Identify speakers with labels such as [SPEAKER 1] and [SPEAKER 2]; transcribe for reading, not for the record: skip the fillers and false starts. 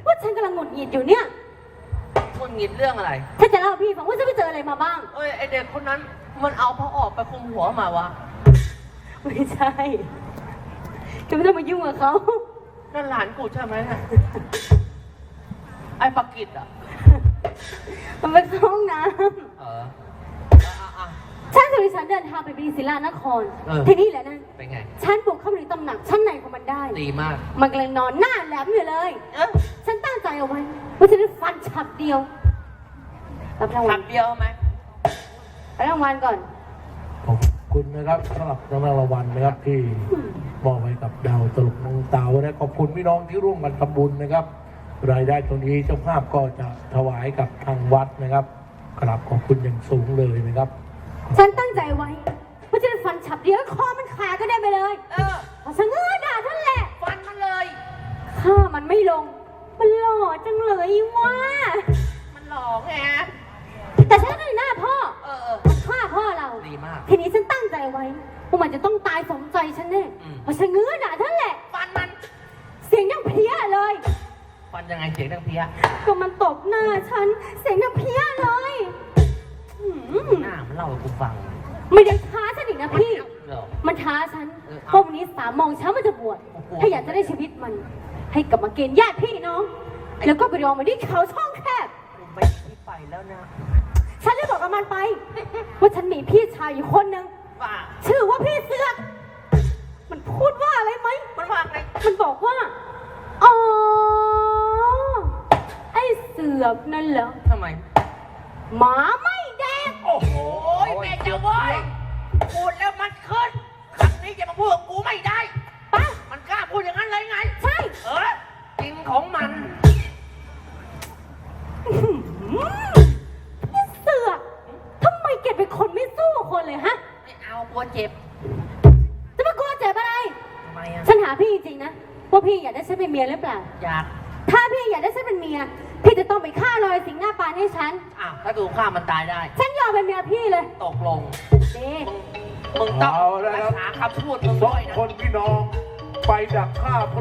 [SPEAKER 1] ว่าฉันกำลังหงุดหงิดอยู่เนี่ย
[SPEAKER 2] หงุดหงิดเรื่องอะไร
[SPEAKER 1] ฉันจะเล่าให้พี่ฟังว่าฉันไปเจออะไรมาบ้าง
[SPEAKER 2] เอ้ยไอเด็กคนนั้นมันเอาผ้าออกไปคลุมหัวมาวะ
[SPEAKER 1] ไม่ใช่จะไม่ต้องมายุ่งกับเขา
[SPEAKER 2] นั่นหลานกูใช่ไหมเนี่ยไอ้ปากกิดอ่ะ
[SPEAKER 1] มันไปเข้าห้องน้
[SPEAKER 2] เอออ่ะ
[SPEAKER 1] ำฉันสุริฉันเดินทางไปบีศิลานคร
[SPEAKER 2] เออ
[SPEAKER 1] ที่นี่แหละนะ
[SPEAKER 2] เป็นไง
[SPEAKER 1] ฉันบุกเข้าไปในตำหนักชั้นในของมันได้
[SPEAKER 2] ดีมาก
[SPEAKER 1] มันกำลังนอนหน้าแหลมอยู่เลย
[SPEAKER 2] เออ
[SPEAKER 1] ฉันตั้งใจเอาไว้ว่าจะได้ฟันฉับเดียวรับรางวั
[SPEAKER 2] ขั
[SPEAKER 1] ล
[SPEAKER 2] บเดียวไหม
[SPEAKER 1] รับรางวัลก่อน
[SPEAKER 3] ขอบคุณนะครับสำหรับรางวัลนะครับที่มอบให้กับดาวตลกน้องเต๋าและขอบคุณพี่น้องที่ร่วมกันทำบุญนะครับ รายได้ตรงนี้เจ้าภาพก็จะถวายกับทางวัดนะครับกราบขอบคุณอย่างสูงเลยนะครับ
[SPEAKER 1] ฉันตั้งใจไว้ว่าจะได้ฟันฉับเดียวคอมันขาดก็ได้ไปเลย
[SPEAKER 2] เออ
[SPEAKER 1] พอฉันเงื้อด่าท่านแหละ
[SPEAKER 2] ฟันมันเลย
[SPEAKER 1] ข้ามันไม่ลง มันหล่อจังเลยว่า
[SPEAKER 2] มันหลอกไง
[SPEAKER 1] แต่ฉันก็อยู่หน้าพ่อ
[SPEAKER 2] เออ
[SPEAKER 1] มันฆ่าพ่อเรา
[SPEAKER 2] ดีมาก
[SPEAKER 1] ทีนี้ฉันตั้งใจไว้ว่ามันจะต้องตายสมใจฉันแน่
[SPEAKER 2] อืม
[SPEAKER 1] พอฉันเงื้อด่าท่านแหละ
[SPEAKER 2] ฟันมัน
[SPEAKER 1] เสียงยังเพี้ยเลย
[SPEAKER 2] ฟันยังไงเสียงดังเพี้ย
[SPEAKER 1] ก็มันตบหน้าฉัน เสียงยังเพี้ยเลยหืม
[SPEAKER 2] หน้ามันเล่าให้กูฟัง
[SPEAKER 1] ไม่ได้ท้าฉันอีกนะพี่
[SPEAKER 2] เหรอ
[SPEAKER 1] มันท้าฉัน
[SPEAKER 2] เออ
[SPEAKER 1] ว่าวันนี้3 โมงเช้ามันจะบวช
[SPEAKER 2] โอ้โห
[SPEAKER 1] ถ้าอยากจะได้ชีวิตมัน ให้กลับมาเกณฑ์ญาติพี่น้อง แล้วก็ไปรอมาที่เขาช่องแคบ
[SPEAKER 2] กูไม่ที่ไปแล้วนะ
[SPEAKER 1] ฉันได้บอกกับมันไป ว่าฉันมีพี่ชายอยู่คนหนึ่ง
[SPEAKER 2] ว่า
[SPEAKER 1] ชื่อว่าพี่เสือกมันพูดว่าอะไรไหม
[SPEAKER 2] มันว่าไง
[SPEAKER 1] มันบอกว่า อ๋อ ไอ้เสือกนั่นเหรอ
[SPEAKER 2] ทำไม
[SPEAKER 1] หมาไม่แดง
[SPEAKER 2] โอ้โหแม่เจ้าเว้ยพูดแล้วมันขึ้นครั้งนี้จะมาพูดกับกูไม่ได้
[SPEAKER 1] ปะ
[SPEAKER 2] มันกล้าพูดอย่างนั้นเลยไง
[SPEAKER 1] ใช่
[SPEAKER 2] เออจริงของมัน
[SPEAKER 1] พี่เสือกทำไมแกเป็นคนไม่สู้คนเลยฮะ
[SPEAKER 2] ไม่เอากลัวเจ็บ
[SPEAKER 1] จะมากลัวเจ็บอะไร
[SPEAKER 2] ทำไมอ่ะ
[SPEAKER 1] ฉันหาพี่จริงๆนะ ว่าพี่อยากได้ฉันเป็นเมียหรือเปล่า
[SPEAKER 2] อยาก
[SPEAKER 1] ถ้าพี่อยากได้ฉันเป็นเมีย พี่จะต้องไปฆ่ารอยสิงหน้าปานให้ฉัน
[SPEAKER 2] อ้าวถ้าถูกฆ่ามันตายได้
[SPEAKER 1] ฉันยอมเป็นเมียพี่เลย
[SPEAKER 2] ตกลง
[SPEAKER 1] เด้
[SPEAKER 2] มึงต้อง
[SPEAKER 3] เอาแล้ว
[SPEAKER 2] รั
[SPEAKER 3] ครั
[SPEAKER 2] ก
[SPEAKER 3] บ
[SPEAKER 2] ษาคำพูดมึง
[SPEAKER 3] สอ
[SPEAKER 2] ด้
[SPEAKER 3] ง
[SPEAKER 2] วยนะ
[SPEAKER 3] คนพี่น้องไปดักฆ่า